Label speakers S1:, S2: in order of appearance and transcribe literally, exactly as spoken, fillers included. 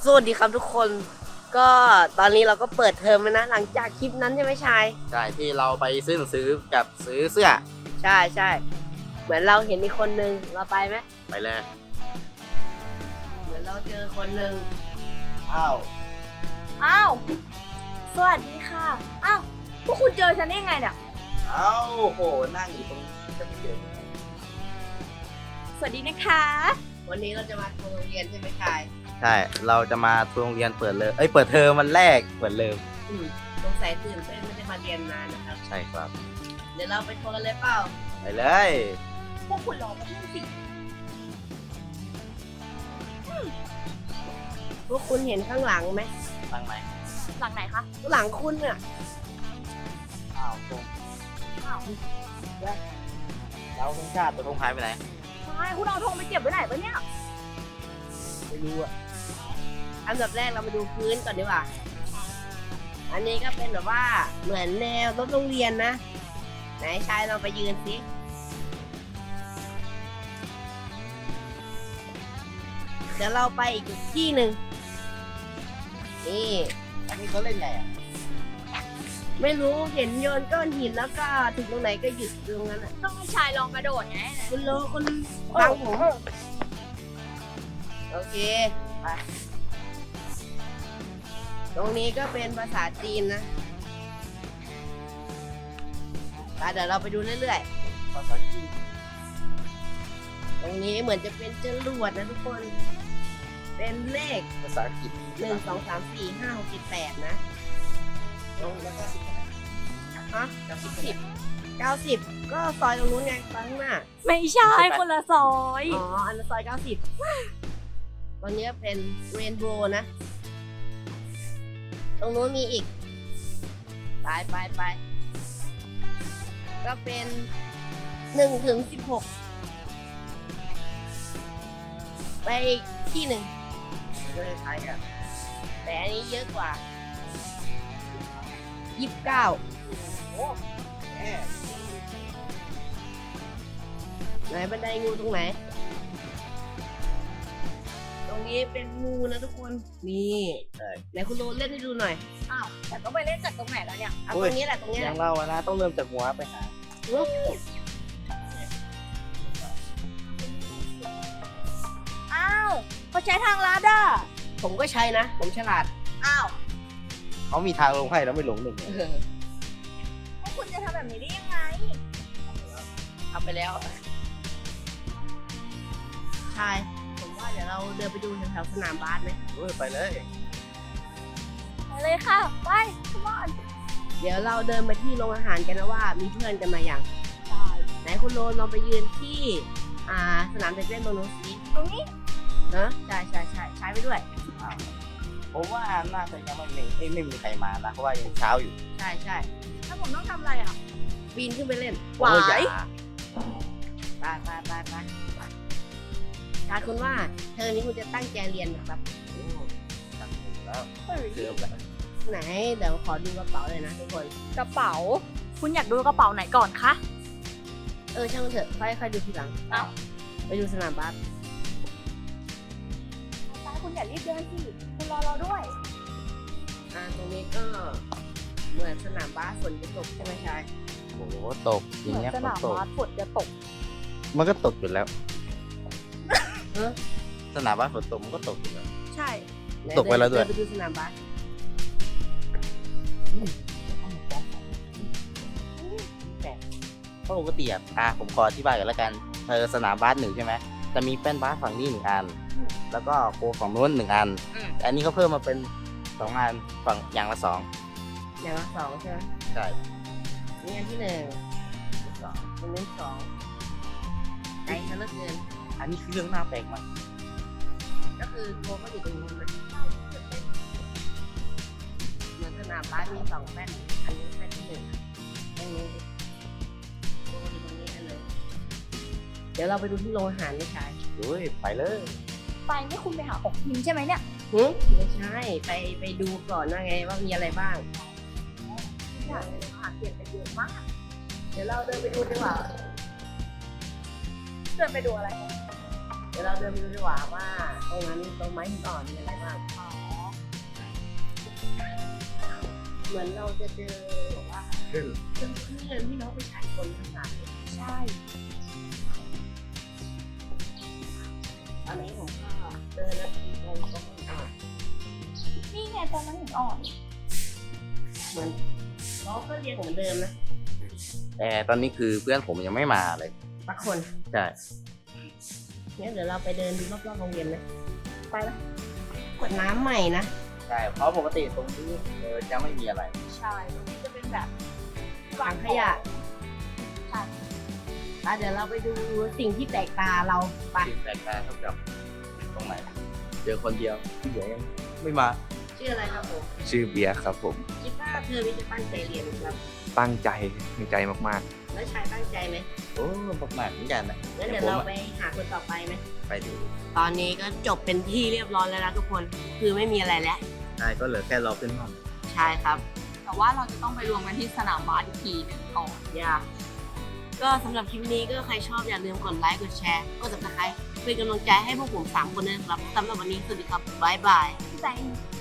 S1: วัสดีครับทุกคนก็ตอนนี้เราก็เปิดเทอมแล้วนะหลังจากคลิปนั้นใช่ไหมชาย
S2: ใช่ที่เราไปซื้อหนังสือกับซื้อเสื้อ
S1: ใช่ใช่เหมือนเราเห็นมีคนนึงเราไปไหม
S2: ไปเลย
S1: เหมือนเราเจอคนนึง
S2: อ้าว
S3: อ้าว สวัสดีค่ะ อ้าว พวกคุณเจอฉันได้ไงเนี่ย
S2: อ้าวโหนั่งอยู่ตรงนี้จะไม่เจอ
S3: สวัสดีนะคะ
S1: วันนี้เราจะมาทัวร์โรงเรียนใช่ไหมชาย
S2: ใช่เราจะมาทัวร์โรงเรียนเปิดเลยเอ้ยเปิดเทอมวันแรกเปิดเริ่ม
S1: อืมสงสัยตื่นเต้นไม่ได้มาเรียนนานนะครับ
S2: ใช่ครับ
S1: เดี๋ยวเราไปทัวร์กันเลยเปล่า
S2: ไปเลย
S3: พวกคุณรอมาที่สิ
S1: พวกคุณเห็นข้างหลังไหม
S2: ตั้งไหม
S3: หลังไหนคะ
S1: ข้างหลังคุณน่ะ
S2: อ้าวตรง
S3: อ้าว
S2: เราธงชาติตัวธงหายไปไหน
S3: ใช่คุณเอาธงไปเก็บไว้ไหนปะเนี่ย
S2: ไม่รู้อะ
S1: อันดับแรกเรามาดูพื้นก่อนดีกว่าอันนี้ก็เป็นแบบว่าเหมือนแนวรถโรงเรียนนะไหนชายเราไปยืนสิเดี๋ยวเราไปอีกที่หนึ่งนี่
S2: อันนี้เขาเล่นไงอะ
S1: ไม่รู้เห็นโยนก้อนหินแล้วก็ถึงตรงไหนก็หยุดตรงนั้นอ่ะ
S3: ต้องให้ชายลองกระโดดไง
S1: คุณรู้คุณฟังผมโอเคไปตรงนี้ก็เป็นภาษาจีนนะไปเดี๋ยวเราไปดูเรื่อย
S2: ภาษาจีน
S1: ๆตรงนี้เหมือนจะเป็นจรวดนะทุกคน เป็นเลข
S2: ภาษาอังกฤษ
S1: หนึ่งสองสามสี่ห้าหกเจ็ดแปดนะ
S2: ลงแล้วก็สิบ
S1: ฮะเก้าสิบสิบเก้าสิบก็ซอยตรงนู้นไงซอยข้างหน้า
S3: ไม่ใช่คนละซอย
S1: อ๋อ อันนั้นซอยเก้าสิบตอนนี้เป็นเรนโบว์นะ ตรงนู้นมีอีก ไปไปไป ก็เป็นหนึ่งถึงสิบหก ไปอีกที่หนึ่ง
S2: ก็คล้ายกัน
S1: แต่อันนี้เยอะกว่า ยี่สิบเก้า
S2: โอ้แหม
S1: ไหนบันไดงูตรงไหน ตรงนี้เป็นงูนะทุกคน นี่
S2: ใช่
S1: ไหนคุณโรเล่นให้ดูหน่อย
S3: อ้าว แต่ก็ไปเล่นจากตรงไหนแล้วเนี่ย
S1: เอาตรงนี้แหละตรงนี้
S2: อ
S1: แห
S2: ย่า
S1: ละ
S2: งเราอะนะต้องเริ่มจากหัวไปหา
S3: อ้าวเขาใช้ทางลัดอ่ะ
S1: ผมก็ใช้นะ ผมฉลาด
S3: อ้าว
S2: เขามีทางลงให้แล้วไม่หลงหนึ่ง
S1: เออ
S3: พวกคุณจะทำแบบนี้ได้ยังไง
S1: เอาไปแล้ว ใช่ ผมว่าเดี๋ยวเราเดินไปดูแถวๆสนามบาสไหม
S2: เฮ้ยไปเลย
S3: ไปเลยค่ะ ไป come on
S1: เดี๋ยวเราเดินไปที่โรงอาหารกันนะว่ามีเพื่อนกันมาอย่าง
S3: ได้
S1: ไหนคุณโรนลองไปยืนที่อ่าสนามเด็กเล่นตรงนู้นสิ
S3: ตรงนี้
S1: เนอะใช่ใช่ใช่ใช้ไปด้วย
S2: ผมว่าน่าจะยังไม่มีเอ้ยไม่มีใครมานะเพราะว่ายังเช้าอยู่
S1: ใช่ใช่
S3: ถ้าผมต้องทำอะไรอ่ะ
S1: ปีนขึ้นไปเล่น
S3: หวาย
S2: โอ้อย่
S1: ไปไปไปไปถ้าคุณว่าเทอมนี้คุณจะตั้งใจเรียนนะครับ
S2: โอ้ตั้งอยู่แล้ว
S3: เฮ้ย
S2: เกือบแล้ว
S1: ไหนเดี๋ยวขอดูกระเป๋าเลยนะทุกคน
S3: กระเป๋า คุณอยากดูกระเป๋าไหนก่อนคะ
S1: เออช่างมันเถอะค่อยค่อยดูทีหลัง
S3: อ้าว
S1: ไปดูสนามบาส
S3: ตาคุณอย่ารีบเดินสิ คุณรอเราด้วย
S1: อ่าตรงนี้ก็เหมือนสนามบาสฝนจะตกใช่ไหมชาย
S2: โอ้โหตกที
S3: เหมือน
S2: เนี้ย
S3: ส
S2: ฝน
S3: นาม
S2: ตก
S3: บาสฝนจะตก
S2: มันก็ตกอยู่แล้ว
S1: เออ
S2: สนามบ้านฝนตกมันก็ตกอยู่แล้ว
S3: ใช่
S1: หน
S2: ตกไปแล้วด้วย
S1: เนไปดูสนามบาส
S2: เพราะปกติอะอ่ะผมขออธิบายกันแล้วกันเออสนามบาสหนึ่งใช่ไหมจะมีแป้นบาสฝั่งนี้หนึ่งอัน แล้วก็โกฝั่งนู้นหนึ่งอันแต่อันนี้เขาเพิ่มมาเป็นสองอันฝั่งอย่างละสอง
S1: อย่างละสองใช่ไหม
S2: ใช่
S1: นี่อันที่หนึ่งสองตรงนี้สองไกลซะเหลือเกิน
S2: อันนี้คือเรื่องน่าแปลกมาก
S1: ก็คือโกก็อยู่ตรงนู้นนะเหมือนสนามบาสมีสองแป้นอันนี้แป้นที่หนึ่งตรงนี้โกอยู่ตรงนี้อันหนึ่งเดี๋ยวเราไปดูที่โรงอาหารไม่ใช่
S2: เฮ้ยไปเลย
S3: ไปนี่คุณไปหาของกินใช่ไหมเนี่ย
S1: หืมไม่ใช่ไปไปดูก่อนว่าไงว่ามีอะไรบ้าง
S3: อยากหาเปลี่ยนไปเยอะมาก
S1: เดี๋ยวเราเดินไปดูดีกว่า
S3: เดินไปดูอะไรกัน
S1: เดี๋ยวเราเดินไปดูดีกว่าว่าตรงนั้นตรงไม้หินอ่อนมีอะไรบ้าง
S3: อ๋อ
S1: เหมือนเราจะเจอแบบว่า
S2: ขึ้น
S1: เครื่องเครื่องที่เราไปฉายคนข้างหลัง
S3: ใช่
S1: ตอนนี้ผมก็เดินแล้วทีตรงตรงอ่ะ
S3: นี่ไงตอนนั้นหินอ่อน
S1: เหมือนล้อก็เรียงเหมือนเดิมนะ
S2: แต่ตอนนี้คือเพื่อนผมยังไม่มาเลย
S1: สักคน
S2: ใช่
S1: งั้นเดี๋ยวเราไปเดินดูรอบๆโรงเรียนไหมไปไหมกวดน้ำใหม่นะ
S2: ใช่เพราะปกติตรงนี้เออจะไม่มีอะไร
S3: ใช่ตรงนี้จะเป็นแบบ
S1: ถังขยะ
S3: ค่ะ
S1: อ่ะเดี๋ยวเราไปดูสิ่งที่แปลกตาเราไป
S2: สิ่งแปลกตาเท่ากับตรงไหน เจอคนเดียวที่เหลือยังไม่มา
S1: ชื่ออะไรครับผม
S4: ชื่อเบียร์ครับผม
S1: คิดว่าเธอนี่จะตั้งใจเรียนครับ
S4: ตั้งใจตั้งใจมาก
S1: แล้วชายตั้งใจไหม
S2: โอ้ประมาณเหมือนกันนะ
S1: งั้นเดี๋ยวเราไปหาคนต่อไปไหม
S2: ไปดู
S1: ตอนนี้ก็จบเป็นที่เรียบร้อยแล้วนะทุกคน คือไม่มีอะไรแล้ว
S2: ใช่ก็เหลือแค่รอขึ้นห้อง
S1: ใช่ครับ
S3: แต่ว่าเราจะต้องไปรวมกันที่สนามบาสอีกทีหนึงก่อน
S1: อย่าก็สำหรับคลิปนี้ก็ใครชอบอย่าลืมกดไลค์กดแชร์กด ซับสไครบ์เป็นกำลังใจให้พวกผมสามคนด้วยนะครับสำหรับวันนี้สวัสดีครับบ๊ายบาย
S3: พี่แบงค์